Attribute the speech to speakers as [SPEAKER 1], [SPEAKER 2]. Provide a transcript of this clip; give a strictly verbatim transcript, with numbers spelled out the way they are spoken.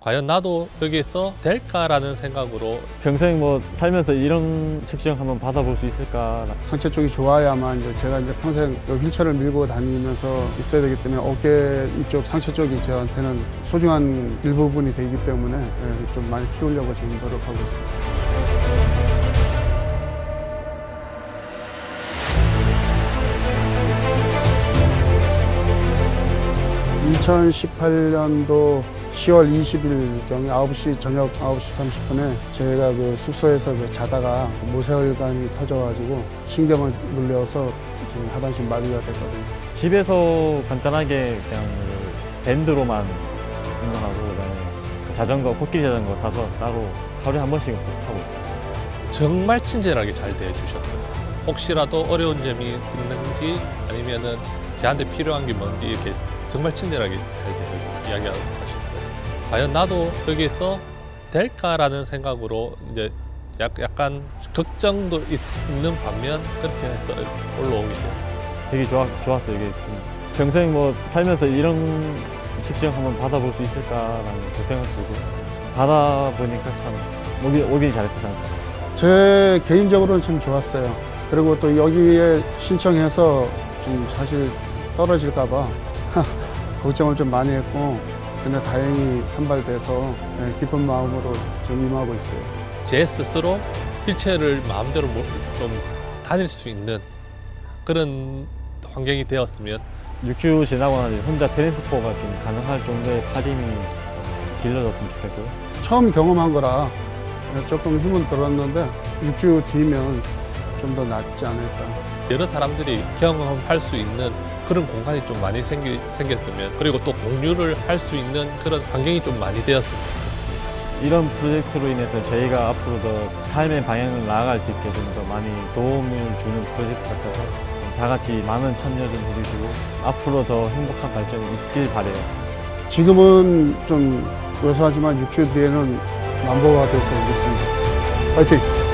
[SPEAKER 1] 과연 나도 여기에서 될까라는 생각으로
[SPEAKER 2] 평생 뭐 살면서 이런 측정 한번 받아볼 수 있을까.
[SPEAKER 3] 상체 쪽이 좋아야만 이제 제가 이제 평생 이 휠체어를 밀고 다니면서 있어야 되기 때문에 어깨 이쪽 상체 쪽이 저한테는 소중한 일부분이 되기 때문에 예, 좀 많이 키우려고 지금 노력하고 있어요. 이천십팔 년도 시월 이십일경에 아홉 시 저녁 아홉 시 삼십 분에 제가 그 숙소에서 그 자다가 모세혈관이 터져가지고 신경을 눌려서 지금 하반신 마비가 됐거든요.
[SPEAKER 2] 집에서 간단하게 그냥 그 밴드로만 운동하고 그다음에 그 자전거, 코끼리 자전거 사서 따로 하루에 한 번씩 하고 있어요.
[SPEAKER 1] 정말 친절하게 잘 대해주셨어요. 혹시라도 어려운 점이 있는지 아니면은 저한테 필요한 게 뭔지 이렇게 정말 친절하게 잘 대해 이야기하고 하셨어요. 과연 나도 여기에서 될까라는 생각으로 이제 약, 약간 걱정도 있는 반면 그렇게 해서 올라오게 되었어요.
[SPEAKER 2] 되게 좋아, 좋았어요. 이게 좀 평생 뭐 살면서 이런 측정 한번 받아볼 수 있을까라는 그 생각 들고 받아보니까 참 오긴, 오긴 잘했다 생각합니다.
[SPEAKER 3] 제 개인적으로는 참 좋았어요. 그리고 또 여기에 신청해서 좀 사실 떨어질까봐 걱정을 좀 많이 했고 근데 다행히 선발돼서 예, 기쁜 마음으로 좀 임하고 있어요.
[SPEAKER 1] 제 스스로 휠체어를 마음대로 뭐- 좀 다닐 수 있는 그런 환경이 되었으면
[SPEAKER 2] 육 주 지나고 나서 혼자 트랜스포가 좀 가능할 정도의 팔힘이 좀 길러졌으면 좋겠고요.
[SPEAKER 3] 처음 경험한 거라 조금 힘은 들었는데 육 주 뒤면 좀 더 낫지 않을까.
[SPEAKER 1] 여러 사람들이 경험할 수 있는 그런 공간이 좀 많이 생기, 생겼으면 그리고 또 공유를 할 수 있는 그런 환경이 좀 많이 되었으면 좋겠습니다.
[SPEAKER 2] 이런 프로젝트로 인해서 저희가 앞으로 더 삶의 방향을 나아갈 수 있게 좀 더 많이 도움을 주는 프로젝트 같아서 다 같이 많은 참여 좀 해주시고 앞으로 더 행복한 발전이 있길 바래요.
[SPEAKER 3] 지금은 좀 왜소하지만 육 주 뒤에는 만보가 돼서 오겠습니다. 파이팅!